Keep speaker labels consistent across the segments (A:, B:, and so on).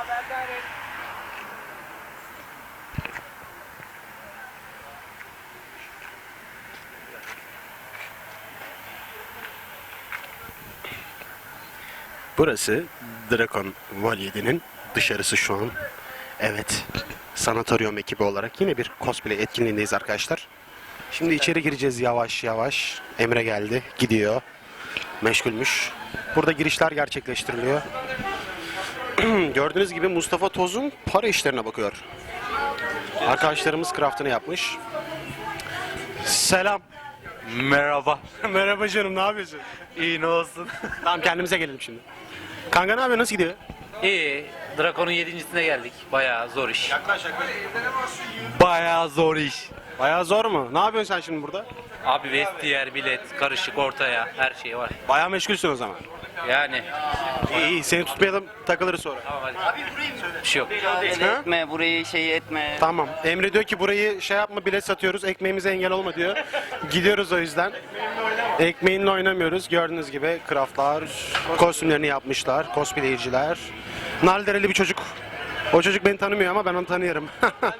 A: Burası Dragon Vol 7'nin dışarısı şu an. Evet, sanatoryum ekibi olarak yine bir cosplay etkinliğindeyiz arkadaşlar. Şimdi içeri gireceğiz yavaş yavaş. Emre geldi, gidiyor. Meşgulmüş. Burada girişler gerçekleştiriliyor. Gördüğünüz gibi Mustafa Toz'un para işlerine bakıyor. Arkadaşlarımız craftını yapmış. Selam.
B: Merhaba.
A: Merhaba canım, ne yapıyorsun?
B: İyi ne olsun?
A: Tamam, kendimize gelelim şimdi. Kanka ne yapıyor, nasıl gidiyor?
C: İyi. Drakon'un 7.sine geldik. Bayağı zor iş.
B: Bayağı zor iş.
A: Bayağı zor mu? Ne yapıyorsun sen şimdi burada?
C: Abi vestiyer, bilet, karışık ortaya her şey var.
A: Bayağı meşgulsün o zaman.
C: Yani.
A: İyi iyi, seni tutmayalım, takılırız sonra.
C: Tamam hadi. Bir şey yok.
D: Etme burayı şey etme.
A: Tamam. Emre diyor ki burayı şey yapma, bilet satıyoruz, ekmeğimize engel olma diyor. Gidiyoruz o yüzden. Ekmeğinle oynamıyoruz. Gördüğünüz gibi craftlar, kostümlerini yapmışlar, cosplayciler. Naldereli bir çocuk. O çocuk beni tanımıyor ama ben onu tanıyorum.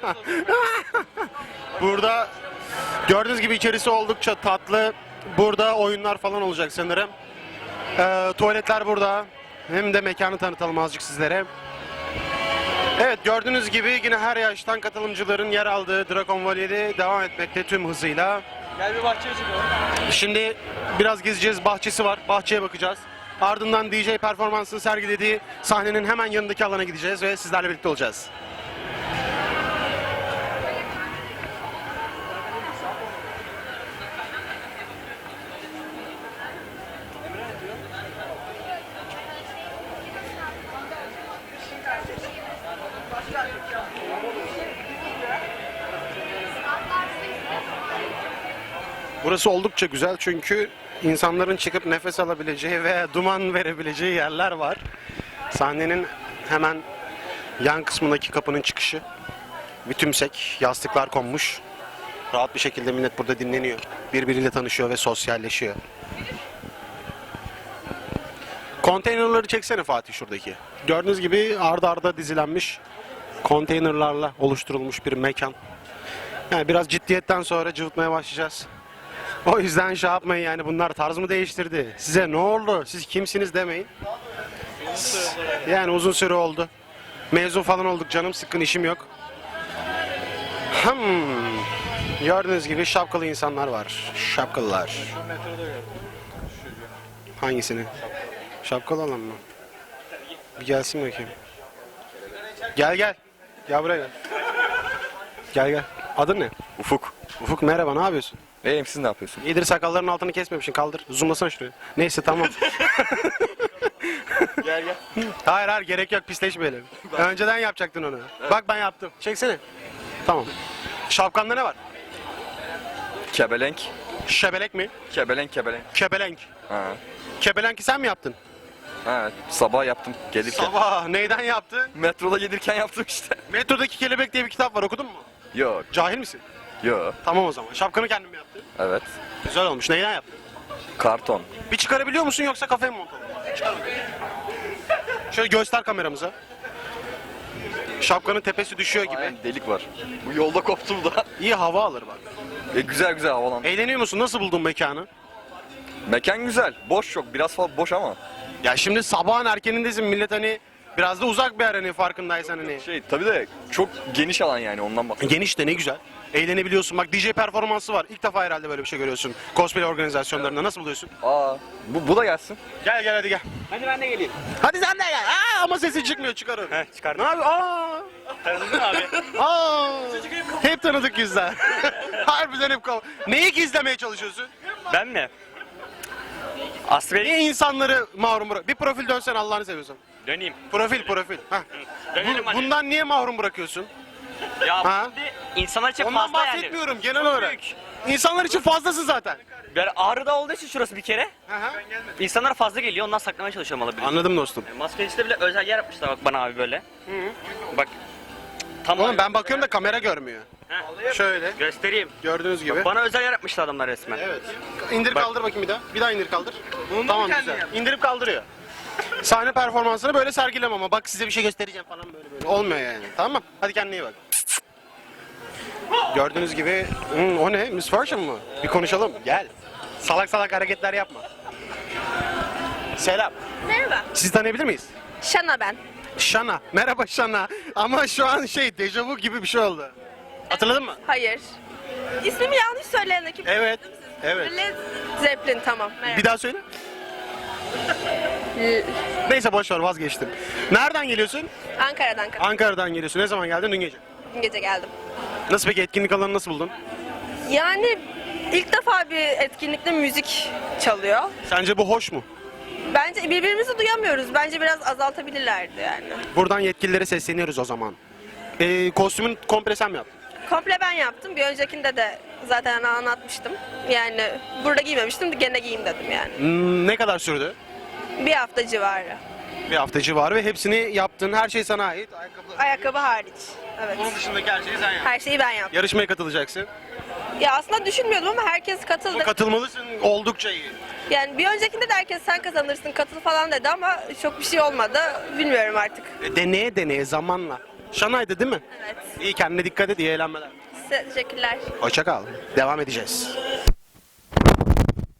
A: Burada gördüğünüz gibi içerisi oldukça tatlı. Burada oyunlar falan olacak sanırım. Tuvaletler burada. Hem de mekanı tanıtalım azıcık sizlere. Evet, gördüğünüz gibi yine her yaştan katılımcıların yer aldığı Dragon Vol 7 devam etmekte tüm hızıyla.
B: Gel bir bahçeye çıkalım.
A: Şimdi biraz gezeceğiz, bahçesi var, bahçeye bakacağız. Ardından DJ performansını sergilediği sahnenin hemen yanındaki alana gideceğiz ve sizlerle birlikte olacağız. Burası oldukça güzel çünkü insanların çıkıp nefes alabileceği ve duman verebileceği yerler var. Sahnenin hemen yan kısmındaki kapının çıkışı. Bir tümsek, yastıklar konmuş. Rahat bir şekilde millet burada dinleniyor. Birbiriyle tanışıyor ve sosyalleşiyor. Konteynerları çeksene Fatih şuradaki. Gördüğünüz gibi arda arda dizilenmiş konteynerlarla oluşturulmuş bir mekan. Yani biraz ciddiyetten sonra cıvıtmaya başlayacağız. O yüzden şey yapmayın, yani bunlar tarz mı değiştirdi? Size ne oldu? Siz kimsiniz demeyin. Yani uzun süre oldu. Mezun falan olduk, canım sıkkın, işim yok. Gördüğünüz gibi şapkalı insanlar var. Şapkalılar. Hangisini? Şapkalı olan mı? Bir gelsin bakayım. Gel gel. Gel buraya gel. Gel gel. Adın ne?
B: Ufuk.
A: Ufuk, merhaba, ne yapıyorsun?
B: İyiyim, siz ne yapıyorsun?
A: İyidir, sakalların altını kesmemişsin, kaldır. Zoomlasana şuraya. Neyse, tamam.
B: Gel gel.
A: Hayır gerek yok, pisleşmeyelim. Önceden yapacaktın onu. Bak ben yaptım. Çeksene. Tamam. Şapkanda ne var?
B: Kebelenk.
A: Şebelek mi?
B: Kebelenk.
A: Kebelenk.
B: Ha.
A: Kebelenki sen mi yaptın?
B: Evet. Sabah yaptım gelirken.
A: Sabah. Neyden yaptın?
B: Metroda gelirken yaptım işte.
A: Metrodaki Kelebek diye bir kitap var, okudun mu?
B: Yok.
A: Cahil misin?
B: Yok.
A: Tamam o zaman. Şapkanı kendin mi yaptın?
B: Evet.
A: Güzel olmuş. Neyden yaptın?
B: Karton.
A: Bir çıkarabiliyor musun yoksa kafaya mı montaladın? Çıkar bakayım. Şöyle göster kameramıza. Şapkanın tepesi düşüyor gibi.
B: Aynen, delik var. Bu yolda koptum da.
A: İyi hava alır bak.
B: Güzel güzel havalandı.
A: Eğleniyor musun? Nasıl buldun mekanı?
B: Mekan güzel. Boş çok. Biraz fazla boş ama.
A: Ya şimdi sabahın erkenindesin, millet hani biraz da uzak bir yer, hani farkındaysan hani.
B: Tabii de çok geniş alan yani, ondan bahsediyorum.
A: Geniş de ne güzel. Eğlenebiliyorsun. Bak, DJ performansı var. İlk defa herhalde böyle bir şey görüyorsun. Cosplay organizasyonlarında nasıl buluyorsun?
B: Aa, bu da gelsin.
A: Gel gel hadi gel.
D: Hadi ben de geleyim.
A: Hadi sen de gel. Ama sesi çıkmıyor, çıkarır.
D: Çıkar.
A: Ne yapıyor? Aa!
D: Tanıdın abi.
A: Aa! Hep tanıdık yüzler. Harbiden hep Neyi gizlemeye çalışıyorsun?
D: Ben mi? Asbel
A: Niye insanları mahrum bırak? Bir profil dönsen Allah'ını seviyorsan.
D: döneyim.
A: Profil. Heh.
D: Dönelim hadi.
A: Bundan niye mahrum bırakıyorsun?
D: Ya
A: Ha?
D: şimdi insanlar için
A: Ondan
D: fazla yani.
A: bahsetmiyorum genel olarak. İnsanlar için fazlasın zaten.
D: Yani Ağrı'da olduğu için şurası bir kere.
A: Hı hı.
D: İnsanlar fazla geliyor, ondan saklamaya çalışıyorum alabilirim.
A: Anladım dostum.
D: Maske işte bile özel yer yapmışlar bak bana abi böyle. Bak. Tam
A: Oğlum
D: abi.
A: ben bakıyorum da kamera görmüyor.
D: Heh.
A: Şöyle
D: Göstereyim.
A: gördüğünüz gibi.
D: Bak, bana özel yer yapmışlar adamlar resmen.
A: Evet. İndir
D: Bak.
A: kaldır bakayım bir daha. Bir daha indir kaldır. Tamam güzel. İndirip kaldırıyor. Sahne performansını böyle sergilem ama bak size bir şey göstereceğim falan böyle. Olmuyor yani. Tamam mı? Hadi kendine iyi bak. Gördüğünüz gibi o ne? Miss Fortune mu? Bir konuşalım. Gel. Salak salak hareketler yapma. Selam.
E: Merhaba.
A: Sizi tanıyabilir miyiz?
E: Şana ben.
A: Şana. Merhaba Şana. Ama şu an dejavu gibi bir şey oldu. Hatırladın mı?
E: Hayır. İsmimi yanlış söyleyen kim?
A: Evet. Evet.
E: Led Zeppelin tamam. Merhaba.
A: Bir daha söyle.
E: L-
A: Neyse boş ver vazgeçtim. Nereden geliyorsun?
E: Ankara'dan
A: Ankara'dan geliyorsun. Ne zaman geldin? Dün gece.
E: dün gece geldim.
A: Nasıl peki etkinlik alanını nasıl buldun?
E: Yani ilk defa bir etkinlikte müzik çalıyor.
A: Sence bu hoş mu?
E: Bence birbirimizi duyamıyoruz. Bence biraz azaltabilirlerdi yani.
A: Buradan yetkililere sesleniyoruz o zaman. Kostümün komple sen mi yaptın?
E: Komple ben yaptım. Bir öncekinde de zaten anlatmıştım. Yani burada giymemiştim. Gene giyeyim dedim yani.
A: Ne kadar sürdü?
E: Bir hafta civarı.
A: Bir hafta civarı ve hepsini yaptın. Her şey sana ait.
E: Ayakkabı hariç. Evet.
A: Onun dışındaki her şeyi sen yaptın.
E: Her şeyi ben yaptım.
A: Yarışmaya katılacaksın.
E: Ya aslında düşünmüyordum ama herkes katıldı.
A: Ama katılmalısın. Oldukça iyi.
E: Yani bir öncekinde de herkes sen kazanırsın katıl falan dedi ama çok bir şey olmadı. Bilmiyorum artık.
A: Deneye deneye zamanla. Şanay'dı değil mi?
E: Evet.
A: İyi kendine dikkat et. İyi eğlenmeler.
E: Size teşekkürler.
A: Hoşça kal. Devam edeceğiz.